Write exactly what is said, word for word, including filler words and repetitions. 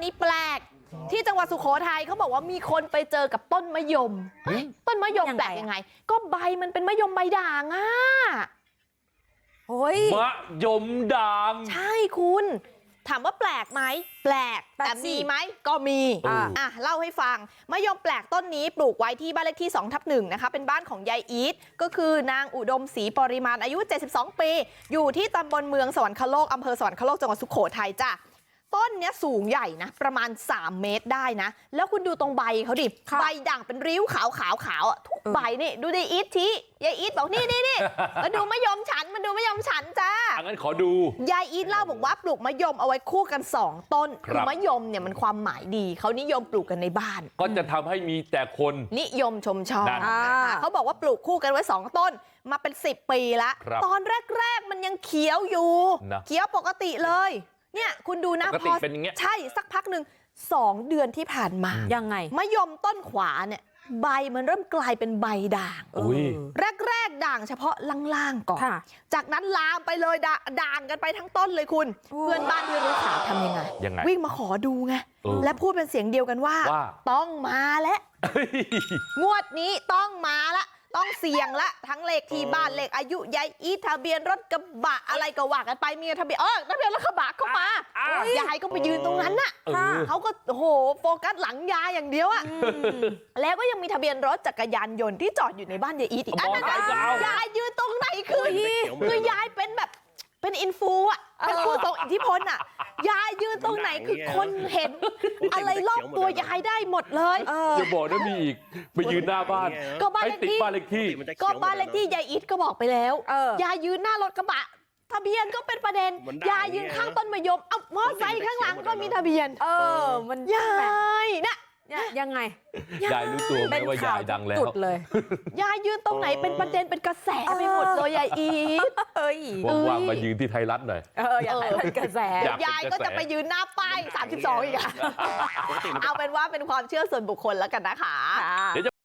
นี้แปลกที่จังหวัดสุโขทัยเขาบอกว่ามีคนไปเจอกับต้นมะยมต้นมะยมแปลกยังไงก็ใบมันเป็นมะยมใบด่างอ่ะโอ้ยมะยมด่างใช่คุณถามว่าแปลกไหมแปลกแต่มีไหมก็มีอ่ะเล่าให้ฟังมะยมแปลกต้นนี้ปลูกไว้ที่บ้านเลขที่สองทับหนึ่งนะคะเป็นบ้านของยายอีทก็คือนางอุดมศรีปริมาณอายุเจ็ดสิบสองปีอยู่ที่ตำบลเมืองสวรรคโลกอำเภอสวรรคโลกจังหวัดสุโขทัยจ้ะต้นเนี้ยสูงใหญ่นะประมาณสามเมตรได้นะแล้วคุณดูตรงใบเขาดิใบด่างเป็นริ้วขาวขาวขาวอ่ะทุกใบนี่ดูดิอีททียายอีทบอกนี่นี่นี่มาดูมะยมฉันมาดูมะยมฉันจ้างั้นขอดูยายอีทเล่าบอกว่าปลูกมะยมเอาไว้คู่กันสองต้นคือมะยมเนี่ยมันความหมายดีเขานิยมปลูกกันในบ้านก็จะทำให้มีแต่คนนิยมชมชอบเขาบอกว่าปลูกคู่กันไว้สองต้นมาเป็นสิบปีแล้วตอนแรกๆมันยังเขียวอยู่เขียวปกติเลยเนี่ยคุณดูนะพอใช่สักพักหนึ่งสองเดือนที่ผ่านมายังไงมะยมต้นขวาเนี่ยใบมันเริ่มกลายเป็นใบด่างแรกๆด่างเฉพาะล่างๆก่อนจากนั้นลามไปเลยด่างกันไปทั้งต้นเลยคุณเพื่อนบ้านที่รู้ข่าวทำยังไงวิ่งมาขอดูไงและพูดเป็นเสียงเดียวกันว่าต้องมาแล้วงวดนี้ต้องมาละต้องเสี่ยงละทั้งเลขที่บ้านเลขอายุยายอีทะเบียนรถกระบะอะไรก็ว่ากันไปมีทะเบียนเออทะเบียนรถกระบะเข้ามายายก็ไปยืนตรงนั้นน่ะเขาก็โอ้โหโฟกัสหลังยายอย่างเดียวอ่ะแล้วก็ยังมีทะเบียนรถจักรยานยนต์ที่จอดอยู่ในบ้านยายอีทอีกอันนั้นยายยืนตรงไหนคือคือยายเป็นแบบเป็นอินฟูอ่ะเป็นผู้ทรงอิทธิพลอ่ะยายยืนตรงไหนคือคนเห็นอะไรรอบตัวยายได้หมดเลยอย่าบอกนะมีอีกไปยืนหน้าบ้านก็บ้านเลขที่บ้านเลขที่ก็บ้านเลขที่ยายอีทก็บอกไปแล้วยายยืนหน้ารถกระบะทะเบียนก็เป็นประเด็นยายยืนข้างต้นมะยมเอามอไซค์ข้างหลังก็มีทะเบียนเออมันยายนะยังไงยายรู้ตัวไหมว่ายายดังแล้วเลยยายยืนตรงไหนเป็นประเด็นเป็นกระแสไปหมดเลยยายอีทเอ้ยว่างๆมายืนที่ไทยรัฐหน่อยเอออยากเป็นกระแสยายก็จะไปยืนหน้าป้ายสามสิบสองอีกอะเอาเป็นว่าเป็นความเชื่อส่วนบุคคลแล้วกันนะคะ